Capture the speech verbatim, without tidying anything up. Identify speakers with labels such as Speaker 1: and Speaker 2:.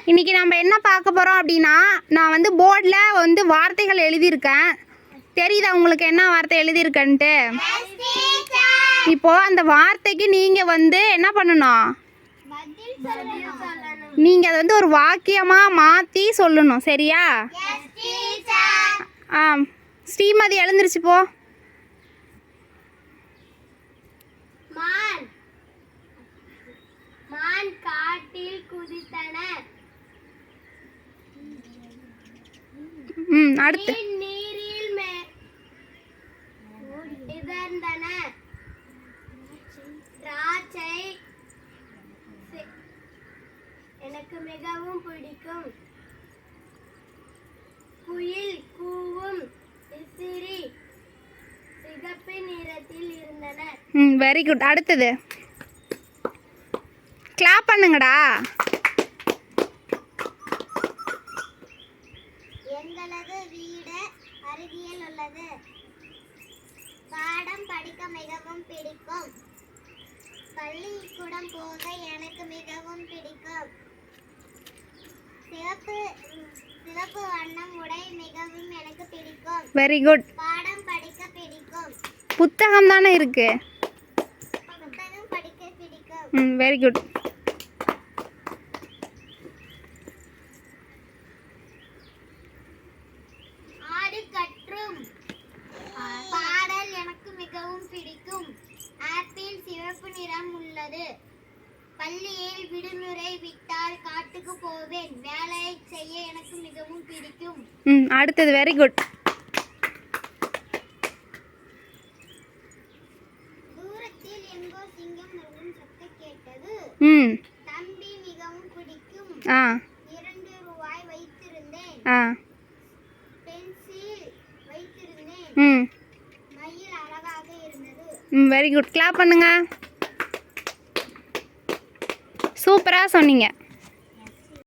Speaker 1: இன்றைக்கி நம்ம என்ன பார்க்க போகிறோம் அப்படின்னா, நான் வந்து போர்டில் வந்து வார்த்தைகள் எழுதியிருக்கேன். தெரியுதா உங்களுக்கு என்ன வார்த்தை எழுதியிருக்கேன்ட்டு? இப்போது அந்த வார்த்தைக்கு நீங்கள் வந்து என்ன பண்ணணும்? நீங்கள் அதை வந்து ஒரு வாக்கியமாக மாற்றி சொல்லணும். சரியா? ஆ, ஸ்ரீமதி எழுந்திருச்சு போ. ம், அடுத்து
Speaker 2: எனக்கு மிகவும் பிடிக்கும். குயில் கூவும் விசிறி சிகப்பு நிறத்தில் இருந்தன.
Speaker 1: ம், வெரி குட். அடுத்தது கிளாப் பண்ணுங்கடா.
Speaker 2: எங்களது வீடு அருகில் உள்ளது. பாடம் படிக்க மிகவும் பிடிக்கும். பள்ளிக்கூடம் போக எனக்கு மிகவும் பிடிக்கும். சிவப்பு சிவப்பு வண்ணம் உடை மிகவும் எனக்கு பிடிக்கும்.
Speaker 1: Very good.
Speaker 2: பாடம் படிக்க பிடிக்கும்.
Speaker 1: புத்தகம் தானே இருக்கு.
Speaker 2: புத்தகம் படிக்க பிடிக்கும்.
Speaker 1: ம், வெரி குட்.
Speaker 2: ஆடு கற்றும் பாடல் எனக்கு மிகவும் பிடிக்கும். ஆப்பிள் சிவப்பு நிறம் உள்ளது. பள்ளியில் விடுமுறை விட்டால் காட்டுக்கு போவேன். வேலை செய்ய எனக்கு மிகவும் பிடிக்கும்.
Speaker 1: ம், அடுத்தது வெரி குட்.
Speaker 2: தூரத்தில் எங்கோ சிங்கம் நடும் சத்தம் கேட்டது.
Speaker 1: ம்,
Speaker 2: தம்பி மிகவும் பிடிக்கும்.
Speaker 1: ஆ
Speaker 2: இரண்டு ரூபாய் வைத்திருந்தேன்.
Speaker 1: ஆ
Speaker 2: பென்சில் வைத்திருந்தேன்.
Speaker 1: ம்
Speaker 2: மயில் அழகாக இருந்தது.
Speaker 1: ம், வெரி குட். கிளாப் பண்ணுங்க. சூப்பராக சொன்னீங்க.